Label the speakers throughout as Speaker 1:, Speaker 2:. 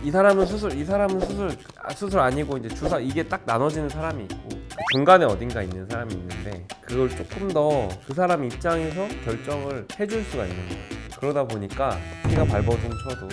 Speaker 1: 이 사람은 수술 아니고 이제 주사 이게 딱 나눠지는 사람이 있고 중간에 어딘가 있는 사람이 있는데 그걸 조금 더 그 사람 입장에서 결정을 해줄 수가 있는 거예요. 그러다 보니까 피가 발버둥 쳐도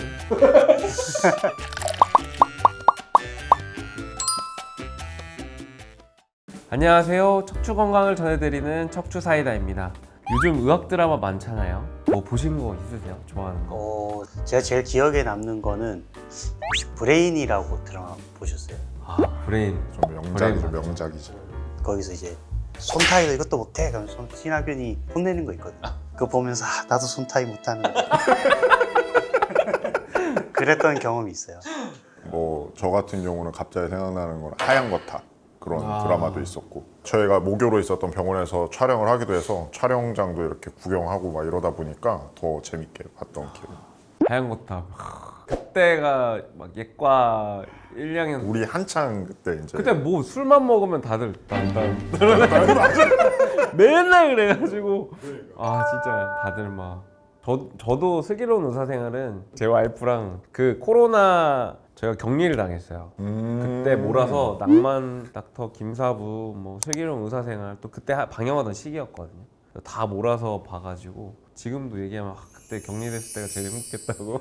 Speaker 1: 안녕하세요. 척추 건강을 전해드리는 척추 사이다입니다. 요즘 의학 드라마 많잖아요. 뭐 보신 거 있으세요? 좋아하는 거?
Speaker 2: 제가 제일 기억에 남는 거는 혹시 브레인이라고 드라마 보셨어요?
Speaker 1: 아, 브레인.
Speaker 3: 좀 명작이죠,
Speaker 1: 브레인
Speaker 3: 명작이죠.
Speaker 2: 거기서 이제 손 타이도 이것도 못해 그러면 신하균이 혼내는 거 있거든요. 그거 보면서 나도 손 타이 못하는데 그랬던 경험이 있어요.
Speaker 3: 뭐 저 같은 경우는 갑자기 생각나는 건 하얀 거탑 그런 드라마도 있었고, 저희가 모교로 있었던 병원에서 촬영을 하기도 해서 촬영장도 이렇게 구경하고 막 이러다 보니까 더 재밌게 봤던 기억.
Speaker 1: 하얀 거탑. 그때가 막 예과 1학년
Speaker 3: 우리 한창 그때 이제
Speaker 1: 그때 뭐 술만 먹으면 다들 딴딴 맨날 그래가지고 아 진짜 다들 막 저도 슬기로운 의사생활은 제 와이프랑 그 코로나 제가 격리를 당했어요. 그때 몰아서 낭만 닥터 김사부 뭐 슬기로운 의사생활 또 그때 방영하던 시기였거든요. 다 몰아서 봐가지고 지금도 얘기하면 그때 격리됐을 때가 제일 행복했다고.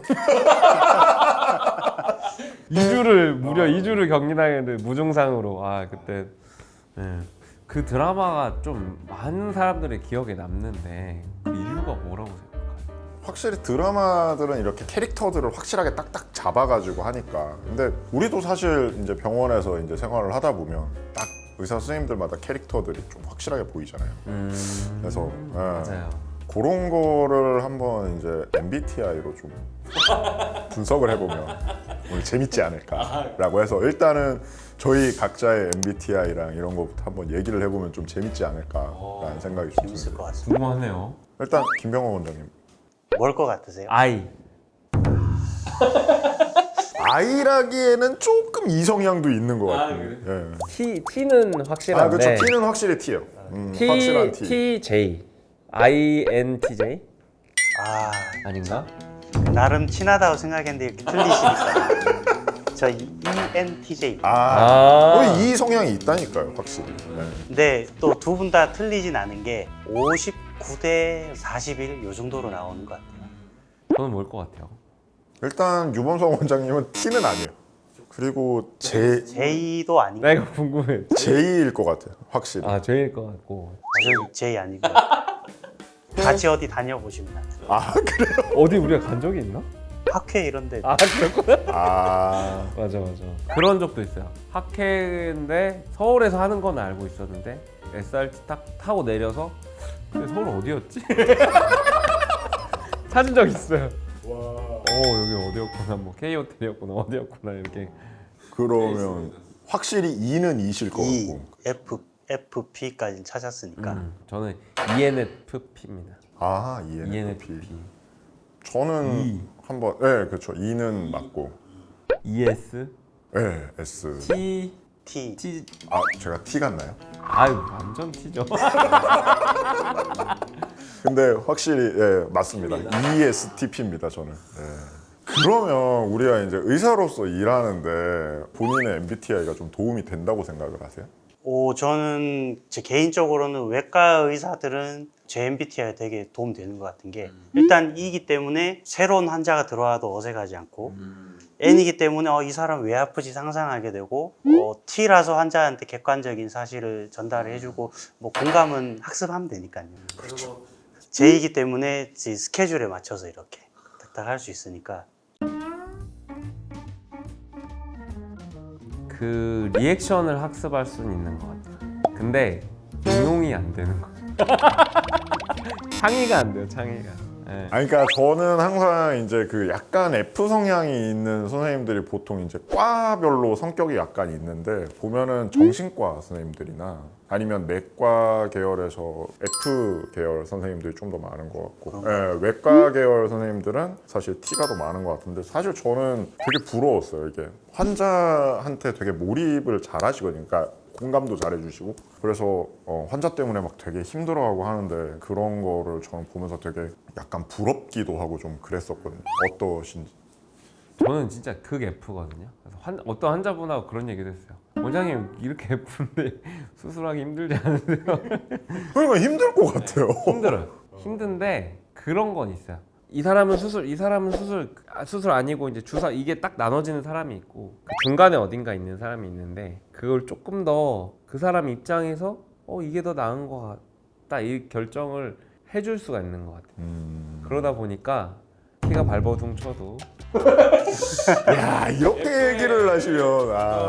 Speaker 1: 2주를 무려 2주를 격리당했는데 무증상으로 그때 그 드라마가 좀 많은 사람들의 기억에 남는데 그 이유가 뭐라고 생각해요?
Speaker 3: 확실히 드라마들은 이렇게 캐릭터들을 확실하게 딱딱 잡아가지고 하니까. 근데 우리도 사실 이제 병원에서 이제 생활을 하다 보면 딱 의사 선생님들마다 캐릭터들이 좀 확실하게 보이잖아요. 그래서
Speaker 1: 맞아요.
Speaker 3: 그런 거를 한번 이제 MBTI로 좀 분석을 해보면 오늘 재밌지 않을까라고 해서 일단은 저희 각자의 MBTI랑 이런 거부터 한번 얘기를 해보면 좀 재밌지 않을까라는 생각이 좀
Speaker 2: 재밌을
Speaker 3: 듭니다.
Speaker 2: 것 같습니다.
Speaker 1: 궁금하네요.
Speaker 3: 일단 김병호 원장님,
Speaker 2: 뭘 것 같으세요?
Speaker 1: I.
Speaker 3: I라기에는 조금 이성향도 있는 것 같아요. 예.
Speaker 1: T는 확실한데
Speaker 3: 그렇죠. T는 확실히 T예요. 확실한 T.
Speaker 1: TJ. INTJ? 아닌가?
Speaker 2: 나름 친하다고 생각했는데 이렇게 틀리시니까 저 ENTJ.
Speaker 3: 이 성향이 있다니까요, 확실히. 네.
Speaker 2: 근데 또 두 분 다 틀리진 않은 게 59대 41 요 정도로 나오는 것 같아요.
Speaker 1: 저는 뭘 것 같아요?
Speaker 3: 일단 유범성 원장님은 T는 아니에요. 그리고
Speaker 2: J도 아니고
Speaker 1: 나 이거 궁금해.
Speaker 3: J일 것 같아요, 확실히.
Speaker 1: J일 것 같고.
Speaker 2: 저 J 아니고 같이 어디 다녀보시면 알아요.
Speaker 3: 그래요?
Speaker 1: 어디 우리가 간 적이 있나?
Speaker 2: 학회 이런 데
Speaker 1: 그렇구나.
Speaker 3: 맞아.
Speaker 1: 그런 적도 있어요. 학회인데 서울에서 하는 건 알고 있었는데 SRT 딱 타고 내려서 근데 서울 어디였지? 찾은 적 있어요. 여기 어디였구나, 뭐 K호텔이었구나, 어디였구나 이렇게.
Speaker 3: 그러면 확실히 E는 E실 것
Speaker 2: E,
Speaker 3: 같고.
Speaker 2: FP까지 찾았으니까
Speaker 1: 저는 ENFP입니다.
Speaker 3: ENFP. 저는 한번 그렇죠. E는 맞고.
Speaker 1: ES?
Speaker 3: S.
Speaker 1: T?
Speaker 2: T.
Speaker 3: 제가 T 같나요?
Speaker 1: 완전 T죠.
Speaker 3: 근데 확실히 맞습니다. ESTP입니다, 저는. 그러면 우리가 이제 의사로서 일하는데 본인의 MBTI가 좀 도움이 된다고 생각을 하세요?
Speaker 2: 저는 제 개인적으로는 외과 의사들은 제 MBTI가 되게 도움되는 것 같은 게 일단 E이기 때문에 새로운 환자가 들어와도 어색하지 않고 N이기 때문에 이 사람 왜 아프지 상상하게 되고 T라서 환자한테 객관적인 사실을 전달을 해주고 뭐 공감은 학습하면 되니까요.
Speaker 3: 그렇죠.
Speaker 2: J이기 때문에 제 스케줄에 맞춰서 이렇게 딱딱 할 수 있으니까
Speaker 1: 그 리액션을 학습할 수는 있는 것 같아요. 근데 응용이 안 되는 거죠. 창의가 안 돼요, 창의가.
Speaker 3: 그러니까 저는 항상 이제 그 약간 F 성향이 있는 선생님들이 보통 이제 과별로 성격이 약간 있는데 보면은 정신과 선생님들이나 아니면 내과 계열에서 F 계열 선생님들이 좀 더 많은 것 같고, 외과 계열 선생님들은 사실 T가 더 많은 것 같은데 사실 저는 되게 부러웠어요. 이게 환자한테 되게 몰입을 잘 하시거든요. 그러니까 공감도 잘해주시고 그래서 환자 때문에 막 되게 힘들어하고 하는데 그런 거를 저는 보면서 되게 약간 부럽기도 하고 좀 그랬었거든요. 어떠신지?
Speaker 1: 저는 진짜 극 F거든요. 그래서 어떤 환자분하고 그런 얘기도 했어요. 원장님 이렇게 F인데 수술하기 힘들지 않으세요?
Speaker 3: 그러니까 힘들 것 같아요.
Speaker 1: 힘들어요. 힘든데 그런 건 있어요. 이 사람은 수술, 이 사람은 수술 아니고 이제 주사 이게 딱 나눠지는 사람이 있고 그 중간에 어딘가 있는 사람이 있는데 그걸 조금 더 그 사람 입장에서 이게 더 나은 것 같다 이 결정을 해줄 수가 있는 것 같아요. 그러다 보니까 피가 발버둥 쳐도
Speaker 3: 야 이렇게 얘기를 하시면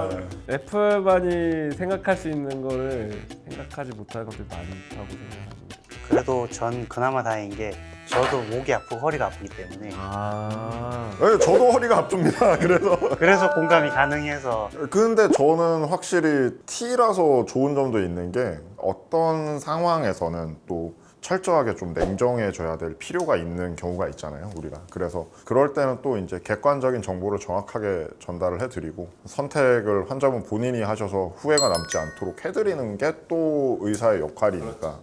Speaker 1: F만이 생각할 수 있는 거를 생각하지 못하는 것들이 많다고 생각합니다.
Speaker 2: 그래도 전 그나마 다행인 게 저도 목이 아프고 허리가 아프기 때문에
Speaker 3: 네, 저도 허리가 아픕니다.
Speaker 2: 그래서 공감이 가능해서.
Speaker 3: 근데 저는 확실히 T라서 좋은 점도 있는 게 어떤 상황에서는 또 철저하게 좀 냉정해져야 될 필요가 있는 경우가 있잖아요, 우리가. 그래서 그럴 때는 또 이제 객관적인 정보를 정확하게 전달을 해드리고 선택을 환자분 본인이 하셔서 후회가 남지 않도록 해드리는 게 또 의사의 역할이니까.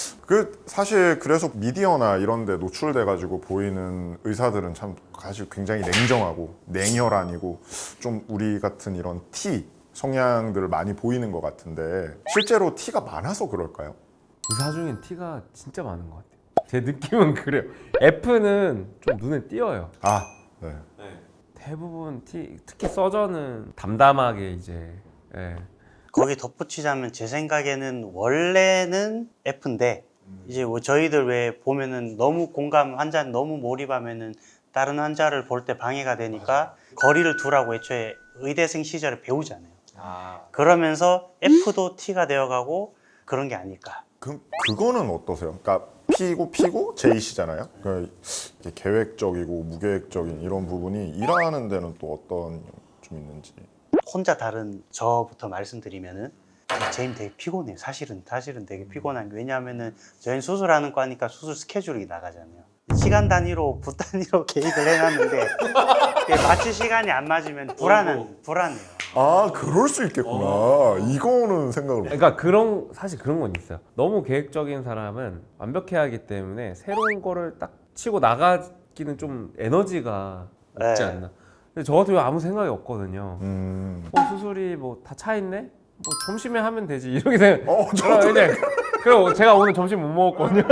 Speaker 3: 사실 그래서 미디어나 이런 데 노출돼 가지고 보이는 의사들은 참 사실 굉장히 냉정하고 냉혈한이고 좀 우리 같은 이런 T 성향들을 많이 보이는 것 같은데 실제로 T가 많아서 그럴까요?
Speaker 1: 의사 중엔 T가 진짜 많은 것 같아요. 제 느낌은 그래요. F는 좀 눈에 띄어요.
Speaker 3: 네.
Speaker 1: 대부분 특히 서전은 담담하게 이제
Speaker 2: 거기 덧붙이자면 제 생각에는 원래는 F인데 이제 뭐 저희들 왜 보면은 너무 공감 환자는 너무 몰입하면은 다른 환자를 볼 때 방해가 되니까 거리를 두라고 애초에 의대생 시절에 배우잖아요. 그러면서 F도 T가 되어가고 그런 게 아닐까.
Speaker 3: 그거는 어떠세요? 그러니까 P고 J시잖아요. 그러니까 이게 계획적이고 무계획적인 이런 부분이 일하는 데는 또 어떤 좀 있는지.
Speaker 2: 혼자 다른 저부터 말씀드리면은 제임 되게 피곤해요. 사실은 되게 피곤한 게 왜냐하면은 저희는 수술하는 과니까 수술 스케줄이 나가잖아요. 시간 단위로 부 단위로 계획을 해놨는데 이게 마취 시간이 안 맞으면 불안해요.
Speaker 3: 그럴 수 있겠구나. 이거는 생각을 못.
Speaker 1: 그러니까 사실 그런 건 있어요. 너무 계획적인 사람은 완벽해야 하기 때문에 새로운 거를 딱 치고 나가기는 좀 에너지가 없지 않나. 근데 저 같은 경우 아무 생각이 없거든요. 수술이 뭐 다 차 있네? 뭐 점심에 하면 되지 이렇게 생각. 그리고 제가 오늘 점심 못 먹었거든요.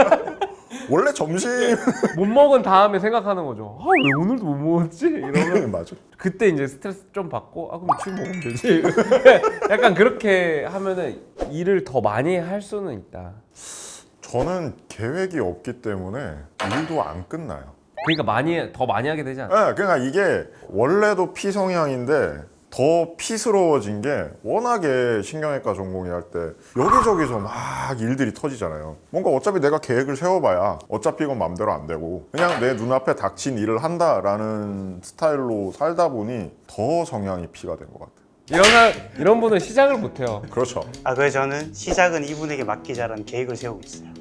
Speaker 3: 원래 점심
Speaker 1: 못 먹은 다음에 생각하는 거죠. 왜 오늘도 못 먹었지? 이러면
Speaker 3: 맞아.
Speaker 1: 그때 이제 스트레스 좀 받고 그럼 지금 먹으면 되지. 약간 그렇게 하면은 일을 더 많이 할 수는 있다.
Speaker 3: 저는 계획이 없기 때문에 일도 안 끝나요.
Speaker 1: 그러니까 더 많이 하게 되지 않아요?
Speaker 3: 네, 그러니까 이게 원래도 P 성향인데 더 P스러워진 게 워낙에 신경외과 전공의 할 때 여기저기서 막 일들이 터지잖아요. 뭔가 어차피 내가 계획을 세워봐야 어차피 이건 맘대로 안 되고 그냥 내 눈앞에 닥친 일을 한다라는 스타일로 살다 보니 더 성향이 P가 된 것 같아요.
Speaker 1: 이런 분은 시작을 못 해요.
Speaker 3: 그렇죠.
Speaker 2: 그래서 저는 시작은 이분에게 맡기자라는 계획을 세우고 있어요.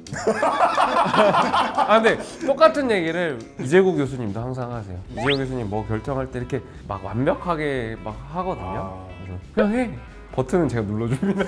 Speaker 1: 근데 똑같은 얘기를 이재국 교수님도 항상 하세요. 이재국 교수님 뭐 결정할 때 이렇게 막 완벽하게 막 하거든요. 그래서 그냥 해. 버튼은 제가 눌러줍니다.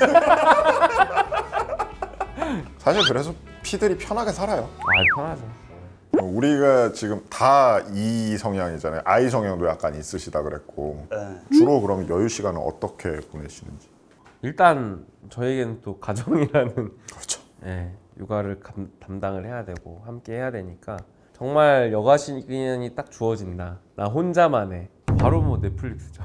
Speaker 3: 사실 그래서 P들이 편하게 살아요.
Speaker 1: 편하죠.
Speaker 3: 우리가 지금 다 E 성향이잖아요. I 성향도 약간 있으시다 그랬고 주로 그럼 여유 시간은 어떻게 보내시는지?
Speaker 1: 일단 저에게는 또 가정이라는
Speaker 3: 그렇죠.
Speaker 1: 육아를 담당을 해야 되고 함께 해야 되니까 정말 여가 시간이 딱 주어진다. 나 혼자만 해. 바로 뭐 넷플릭스죠.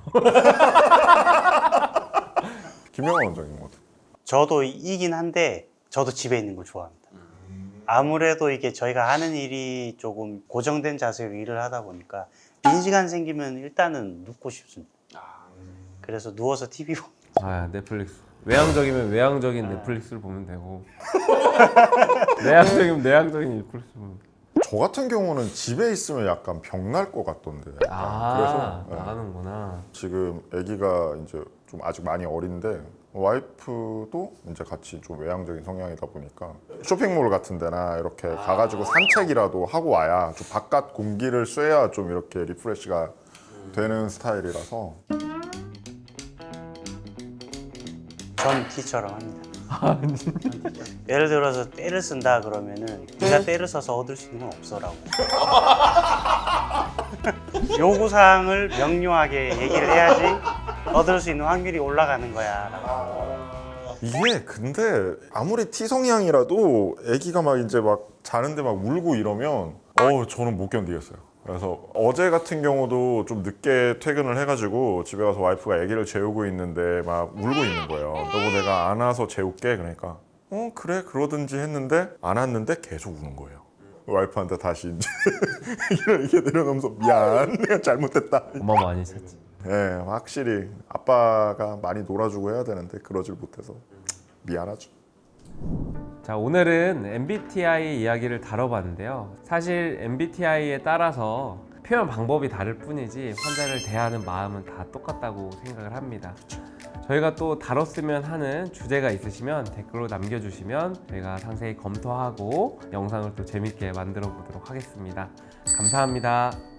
Speaker 3: 김영환 원장님 어때?
Speaker 2: 저도 이긴 한데 저도 집에 있는 걸 좋아합니다. 아무래도 이게 저희가 하는 일이 조금 고정된 자세로 일을 하다 보니까 빈 시간 생기면 일단은 눕고 싶습니다. 그래서 누워서 TV 보고.
Speaker 1: 넷플릭스. 외향적이면 외향적인 넷플릭스를 보면 되고 내향적이면 내향적인 넷플릭스 보면 돼.
Speaker 3: 저 같은 경우는 집에 있으면 약간 병날 것 같던데. 그래서
Speaker 1: 나가는구나.
Speaker 3: 지금 아기가 이제 좀 아직 많이 어린데 와이프도 이제 같이 좀 외향적인 성향이다 보니까 쇼핑몰 같은 데나 이렇게 가가지고 산책이라도 하고 와야 좀 바깥 공기를 쐬야 좀 이렇게 리프레시가 되는 스타일이라서
Speaker 2: 전 T처럼 합니다. 예를 들어서 때를 쓴다 그러면은 네가 때를 써서 얻을 수 있는 건 없어라고. 요구사항을 명료하게 얘기를 해야지 얻을 수 있는 확률이 올라가는 거야.
Speaker 3: 이게 근데 아무리 T 성향이라도 아기가 막 이제 막 자는데 막 울고 이러면 저는 못 견디겠어요. 그래서 어제 같은 경우도 좀 늦게 퇴근을 해가지고 집에 가서 와이프가 아기를 재우고 있는데 막 울고 있는 거예요. 여보 내가 안아서 재울게. 그러니까 그래 그러든지 했는데 안았는데 계속 우는 거예요. 와이프한테 다시 이제 이렇게 내려놓으면서 미안 내가 잘못했다.
Speaker 1: 엄마 많이 썼지.
Speaker 3: 네, 확실히 아빠가 많이 놀아주고 해야 되는데 그러질 못해서 미안하죠.
Speaker 1: 자, 오늘은 MBTI 이야기를 다뤄봤는데요. 사실 MBTI에 따라서 표현 방법이 다를 뿐이지 환자를 대하는 마음은 다 똑같다고 생각을 합니다. 저희가 또 다뤘으면 하는 주제가 있으시면 댓글로 남겨주시면 저희가 상세히 검토하고 영상을 또 재밌게 만들어 보도록 하겠습니다. 감사합니다.